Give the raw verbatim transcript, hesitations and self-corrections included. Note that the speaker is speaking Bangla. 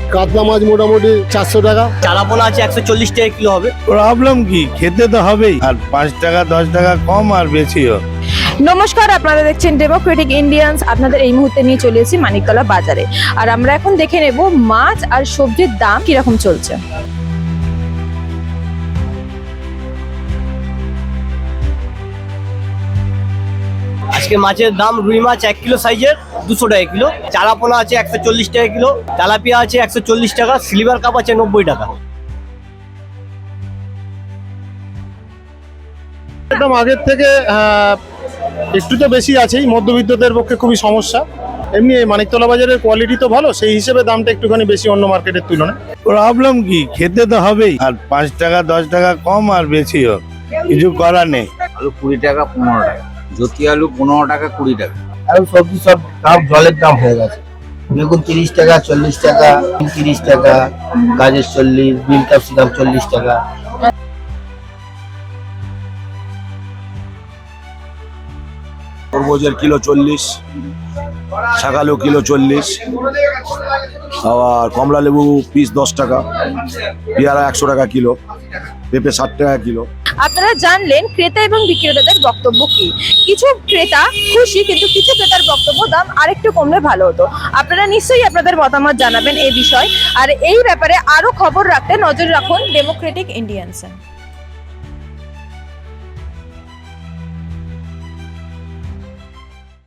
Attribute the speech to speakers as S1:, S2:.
S1: কাতলা মাছ মোটামুটি চারশো টাকা।
S2: চারাপোনা আছে একশো চল্লিশ টাকা কিলো হবে।
S3: প্রবলেম কি, খেতে তো হবেই, আর পাঁচ টাকা দশ টাকা কম আর বেশিও।
S4: নমস্কার, আপনারা দেখছেন ডেমোক্রেটিক ইন্ডিয়ান্স। আপনাদের এই মুহূর্তে নিয়ে চলে এসেছি মানিকতলা বাজারে, আর আমরা এখন দেখে নেব মাছ আর সবজির দাম কিরকম চলছে।
S2: আজকে মাছের দাম রুই মাছ এক কিলো সাইজের দুশো টাকা কিলো, চারাপোনা আছে একশো চল্লিশ টাকা কিলো, তেলাপিয়া আছে একশো চল্লিশ টাকা, সিলভার কাপ আছে নব্বই টাকা।
S1: একদম আগের থেকে আহ, একটু তো বেশি আছেই, মধ্যবিত্তদের পক্ষে খুবই সমস্যা। এমনি এই মানিকতলা বাজারের কোয়ালিটি তো ভালো, সেই হিসেবে দামটা একটুখানি বেশি অন্য মার্কেটের তুলনায়।
S3: প্রবলেম কি, খেতে তো হবেই, আর পাঁচ টাকা দশ টাকা কম আর বেশিও, কিছু করার নেই।
S5: আলু কুড়ি টাকা পনেরো টাকা, জ্যোতি আলু পনেরো টাকা কুড়ি টাকা।
S6: আর সবজি সব দাম জলের দাম হয়ে গেছে। বেগুন তিরিশ টাকা, চল্লিশ টাকা, তিরিশ টাকা, গাজর চল্লিশ, বিন ক্যাপসিকাম চল্লিশ টাকা।
S7: তরমুজের কিলো চল্লিশ, শাকালু কিলো চল্লিশ, আবার কমলা লেবু পিস দশ টাকা, পেয়ারা একশো টাকা কিলো, পেঁপে ষাট টাকা কিলো।
S4: আপনারা জানলেন ক্রেতা এবং বিক্রেতাদের বক্তব্য কি। কিছু ক্রেতা খুশি, কিন্তু কিছু ক্রেতার বক্তব্য দাম আরেকটু কমলে ভালো হতো। আপনারা নিশ্চয়ই আপনাদের মতামত জানাবেন এই বিষয়, আর এই ব্যাপারে আরো খবর রাখতে নজর রাখুন ডেমোক্রেটিক ইন্ডিয়ান্সে।